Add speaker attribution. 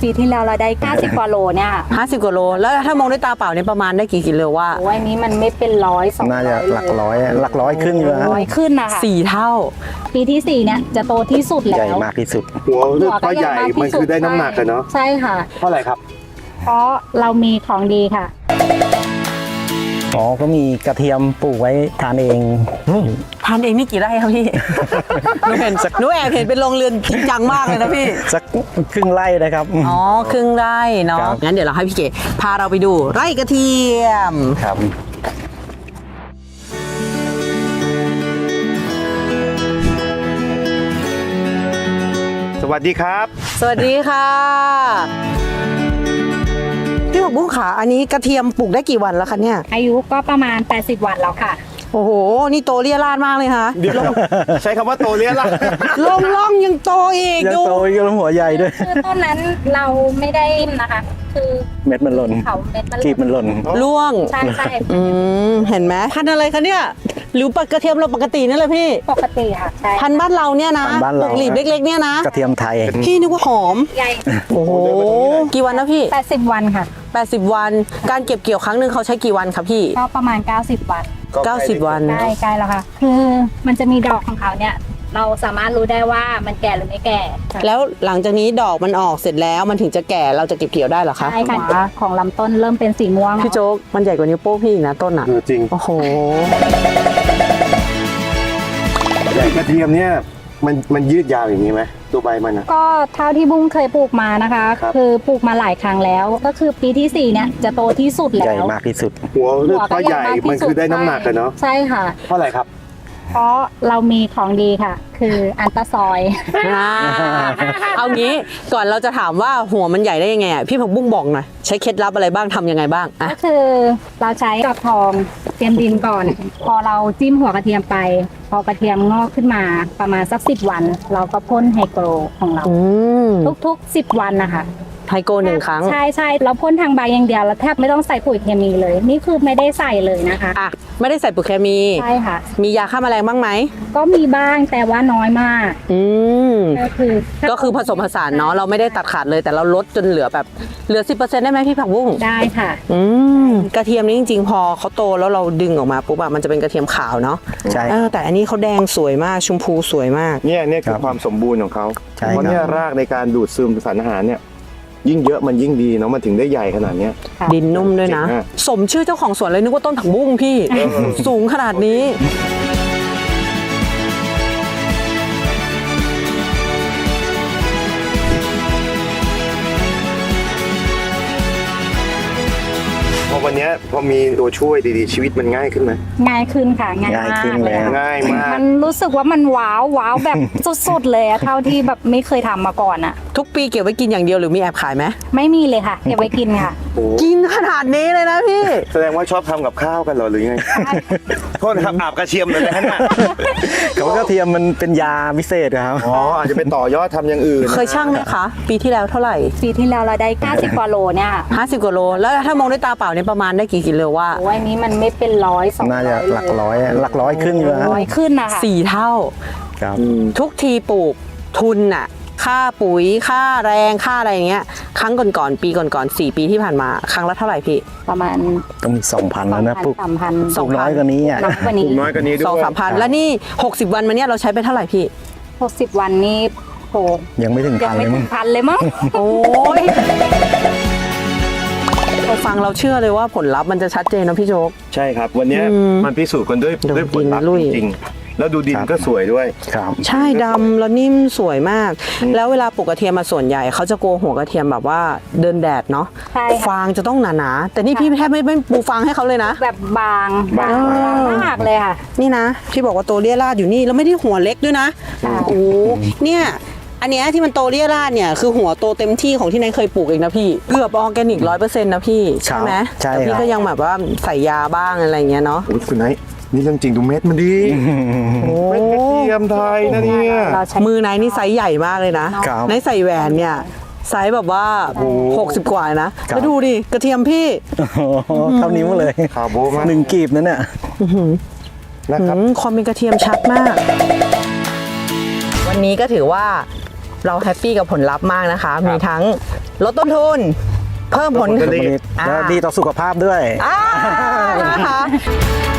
Speaker 1: ปีที่แล้วเราได้50 กว่าโลเนี่ย
Speaker 2: 50 กว่าโลแล้วถ้ามองด้วยตาเปล่าเนี่ยประมาณได้กี่กิโลว่า
Speaker 1: โอ้ยนี้มันไม่เป็น100 200
Speaker 3: น่าจะหลักร้อยขึ้นอยู่นะ
Speaker 1: ร้อยขึ้นนะคะ
Speaker 2: 4 เท่า
Speaker 1: ปีที่4เนี่ยจะโตที่สุดแล้ว
Speaker 3: ใหญ่มากที่สุด
Speaker 4: หัวก็ใหญ่มันคือได้น้ำหนักกันเนาะ
Speaker 1: ใช่ค่ะ
Speaker 4: เพราะอะไรครับ
Speaker 1: เพราะเรามีของดีค่ะ
Speaker 3: อ๋อก็มีกระเทียมปลูกไว้ทานเอง
Speaker 2: ทานเองนี่กี่ไร่ครับพี่ หนูแอบเห็นเป็นโรงเรือนจริงจังมากเลยนะพี่
Speaker 3: สักครึ่งไร่นะครับ
Speaker 2: อ๋อครึ่งไร่เนาะ
Speaker 3: ครับ
Speaker 2: งั้นเดี๋ยวเราให้พี่เก๋พาเราไปดูไร่กระเทียม
Speaker 3: ครับ
Speaker 4: สวัสดีครับ
Speaker 2: สวัสดีค่ะพี่ผักบุ้งขาอันนี้กระเทียมปลูกได้กี่วันแล้วคะเนี่ย
Speaker 1: อายุก็ประมาณ80 วันแล้วค่ะ
Speaker 2: โอ้โหนี่โตเรียราดมากเลยค่ะ
Speaker 4: เดี๋ยวใช้คำว่าโตเรียละ
Speaker 2: ล่องยังโตอีก
Speaker 3: ยัง
Speaker 2: ดู
Speaker 3: โตอีกแล้วหัวใหญ่ด้วย
Speaker 1: คือต้นนั้นเราไม่ได้นะคะ คือ
Speaker 3: เม็ดมันหล่น
Speaker 1: เขาเม็ดมัน
Speaker 3: กีบมันหล่น
Speaker 2: ล่วง
Speaker 1: ใช่ใช่
Speaker 2: เห็นไหมพันธุ์อะไรคะเนี่ยหรือกระเทียมเราปกตินี่แหละพี่
Speaker 1: ปกติค่ะใช่
Speaker 2: พันธุ์บ้านเราเนี่ยนะ
Speaker 3: พันธุ์บ้าน
Speaker 2: ป
Speaker 3: เรา
Speaker 2: ลูกหลีบเล็กๆเนี่ยนะ
Speaker 3: กระเทียมไทย
Speaker 2: พี่นึกว่าหอม
Speaker 1: ใหญ่
Speaker 2: โอ้โหกี่วันนะพี่
Speaker 1: 80 วันค่ะ
Speaker 2: 80 วันการเก็บเกี่ยวครั้งหนึ่งเขาใช้กี่วันคะพี่
Speaker 1: ก็ประมาณ90 วัน
Speaker 2: 90 วัน
Speaker 1: ใกล้แล้วค่ะ คือมันจะมีดอกของเขาเนี่ย เราสามารถรู้ได้ว่ามันแก่หรือไม่แก่ค่ะ
Speaker 2: แล้วหลังจากนี้ดอกมันออกเสร็จแล้วมันถึงจะแก่เราจะเก็บเกี่ยวได้เหรอคะ
Speaker 1: ใช่ค่ะของลำต้นเริ่มเป็นสีม่วง
Speaker 2: พี่โจ๊กมันใหญ่กว่านิ้วโป้งพี่อีกนะต้นอ่ะ
Speaker 4: จริง
Speaker 2: โอ้โห
Speaker 4: ใหญ่กระเทียมเนี่ยมันยืดยาวอย่างนี้ไหมตัวใบมันนะ
Speaker 1: ก็เท่าที่บุ้งเคยปลูกมานะคะ
Speaker 4: ครับ
Speaker 1: คือปลูกมาหลายครั้งแล้ว ก็คือปีที่4เนี่ยจะโตที่สุด
Speaker 3: ใหญ่
Speaker 1: แล้ว
Speaker 3: มากที่สุด
Speaker 4: หัว
Speaker 1: หัว
Speaker 4: ก็ใหญ่
Speaker 1: ากที่
Speaker 4: มันคือได้น้ำหนักกันเนาะ
Speaker 1: ใช่ค่ะ
Speaker 4: เพราะอะไรครับ
Speaker 1: เพราะเรามีของดีค่ะ คืออันตราซอยด์
Speaker 2: เอางี้ก่อนเราจะถามว่าหัวมันใหญ่ได้ยังไงอ่ะพี่ผักบุ้งบอกหน่อยใช้เคล็ดลับอะไรบ้างทำยังไงบ้างอ่ะ
Speaker 1: ก็คือเราใช้กระทองเตรียมดินก่อน พอเราจิ้มหัวกระเทียมไป พอกระเทียมงอกขึ้นมาประมาณสัก10 วัน เราก็พ่นไฮโกรของเรา ทุกๆ10 วันนะคะ
Speaker 2: ไฮโก1 ครั้ง
Speaker 1: ใช่ใช่เราพ่นทางใบอย่างเดียวแล้วแทบไม่ต้องใส่ปุ๋ยเคมีเลย นี่คือไม่ได้ใส่เลยนะคะ
Speaker 2: อ่ะไม่ได้ใส่ปุ๋ยเคมี
Speaker 1: ใช่ค่ะ
Speaker 2: มียาฆ่าแมลงบ้างไหม
Speaker 1: ก็มีบ้างแต่ว่าน้อยมาก
Speaker 2: อืม
Speaker 1: ก็คือ
Speaker 2: ผสมผสานเนาะเราไม่ได้ตัดขาดเลยแต่เราลดจนเหลือแบบเหลือ 10% ได้ไหมพี่ผักบุ้ง
Speaker 1: ได้ค่ะ
Speaker 2: กระเทียมนี่จริงๆ พอเขาโตแล้วเราดึงออกมาปุ๊บอะมันจะเป็นกระเทียมขาวเนาะ
Speaker 3: ใช่
Speaker 2: แต่อันนี้เขาแดงสวยมากชมพูสวยมาก
Speaker 4: เนี่ยคือ
Speaker 3: ครับ
Speaker 4: ความสมบูรณ์ของเขา
Speaker 3: ใช่
Speaker 4: เพราะเนี่ยรากในการดูดซึมสารอาหารเนี่ยยิ่งเยอะมันยิ่งดีเนาะมันถึงได้ใหญ่ขนาดเนี้ย
Speaker 2: ดินนุ่มด้วยนะ
Speaker 4: เจ๋งอะ
Speaker 2: สมชื่อเจ้าของสวนเลยนึกว่าต้นผักบุ้งพี่ สูงขนาดนี้
Speaker 4: พอวันเนี้ยพอมีตัวช่วยดีๆชีวิตมันง่ายขึ้นไหม
Speaker 1: ง่ายขึ้นค่ะง่าย
Speaker 3: ง่าย
Speaker 1: มาก
Speaker 3: ขึ้น
Speaker 1: เลย
Speaker 3: แล้ว
Speaker 1: ค่ะ
Speaker 4: ง่ายมาก
Speaker 1: มันรู้สึกว่ามันว้าวแบบ สุดๆเลยอะเท่าที่แบบไม่เคยทำมาก่อนอะ
Speaker 2: ทุกปีเก็บไว้กินอย่างเดียวหรือมีแอบขายไหม
Speaker 1: ไม่มีเลยค่ะเก็บไว้กินค่ะ
Speaker 4: โอ้
Speaker 2: กินขนาดนี้เลยนะพี่
Speaker 4: แสดงว่าชอบทำกับข้าวกันเหรอหรือยังไงโทษนะครับอาบกระเทียมเลยนะฮะ
Speaker 3: เขาว่ากระเทียมมันเป็นยาพิเศษครับ
Speaker 4: อ๋ออาจจะเป็นต่อยอดทำอย่างอื่น
Speaker 2: เคยช่างไหมคะ ปีที่แล้วเท่าไหร่
Speaker 1: ปีที่แล้วเราได้50 กว่าโลเนี่ย
Speaker 2: 50 กว่าโลแล้วถ้ามองด้วยตาเปล่าเนี่ยประมาณได้กี่กิโลว่า
Speaker 1: โอ้ยนี้มันไม่เป็น100 200
Speaker 3: น่าจะหลักร้อยขึ้นอยู่นะ
Speaker 1: ร้อยขึ้นนะคะ
Speaker 2: 4 เท่า
Speaker 3: ครับ
Speaker 2: ทุกทีปลูกทุนน่ะค่าปุ๋ยค่าแรงค่าอะไรอย่างเงี้ยครั้งก่อนๆปีก่อนๆ4 ปีที่ผ่านมาครั้งละเท่าไหร่พี่
Speaker 1: ประมาณ
Speaker 3: ต้องมี 2,000 แล้วนะปลูก
Speaker 1: 3,000
Speaker 3: ปลูกน้อยกว่านี้อ่ะ
Speaker 1: น้อยกว่านี้
Speaker 4: น้อยกว่านี้ด้วย
Speaker 2: 2-3 พันแล้วนี่60 วันมาเนี้ยเราใช้ไปเท่าไหร่พี่
Speaker 1: 60 วันนี่โห
Speaker 3: ยังไม่ถึง
Speaker 1: ยัง
Speaker 3: พัน
Speaker 1: ไม่
Speaker 3: เลย
Speaker 1: ถึ
Speaker 3: มั้
Speaker 1: ง
Speaker 3: ง
Speaker 1: พันเลยมั้ง
Speaker 2: โอ้ยเราฟังเราเชื่อเลยว่าผลลัพธ์มันจะชัดเจนนะพี่โจ๊ก
Speaker 4: ใช่ครับ วันเนี้ยมันพิสูจน์กันด้วย
Speaker 2: ดู
Speaker 4: ด้วยผลลัพธ์
Speaker 2: ดินลุย
Speaker 4: จริงๆแล้วดูดินก็สวยด้วย
Speaker 3: ครับ
Speaker 2: ใช่ดำแล้วนิ่มสวยมาก แล้วเวลาปลูกกระเทียมมาส่วนใหญ่เขาจะกลัวหัวกระเทียมแบบว่าเดินแดดเนาะ
Speaker 1: ใช่ค่ะ
Speaker 2: ฟางจะต้องหนาๆแต่นี่พี่แทบไม่ปูฟางให้เขาเลยนะ
Speaker 1: แบบบาง
Speaker 4: บาง
Speaker 1: มากเลยค่ะ
Speaker 2: นี่นะที่บอกว่าโตเรียราดอยู่นี่แล้วไม่ได้หัวเล็กด้วยนะ
Speaker 1: ค่ะ
Speaker 2: โอ้เนี่ยอันเนี้ยที่มันโตเรียราดเนี่ยคือหัวโตเต็มที่ของที่นายเคยปลูกเองนะพี่เกือบออร์แกนิก100%นะพี่ใช่ไหม
Speaker 3: ใช่
Speaker 2: แต่พี่
Speaker 3: ครับ
Speaker 2: ก็ยังแบบว่าใส่ยาบ้างอะไรอย่างเงี้ยเนาะ
Speaker 4: โอ้ยคุณไนท์นี่เรื่องจริงดูเม็ดมันดีเม็ดกระเทียมไทยนะเนี่ย
Speaker 1: เราใช้
Speaker 2: มือนายนี่ไซส์ใหญ่มากเลยนะครับ นายใส่แหวนเนี่ยไซส์แบบว่า60 กว่านะแล้วดูดิกระเทียมพี่
Speaker 3: โอ้โหเท่านิ้วเลย
Speaker 4: คาร์โบมาก
Speaker 3: 1 กีบนั่นเนี่ย
Speaker 4: นะครับ
Speaker 2: ความเป็นกระเทียมชัดมาก วันนี้ก็ถือว่าเราแฮปปี้กับผลลัพธ์มากนะคะ มีทั้งลดต้นทุน เพิ่มผลผลิต
Speaker 3: แล้วดีต่อสุขภาพด้วย
Speaker 2: นะคะ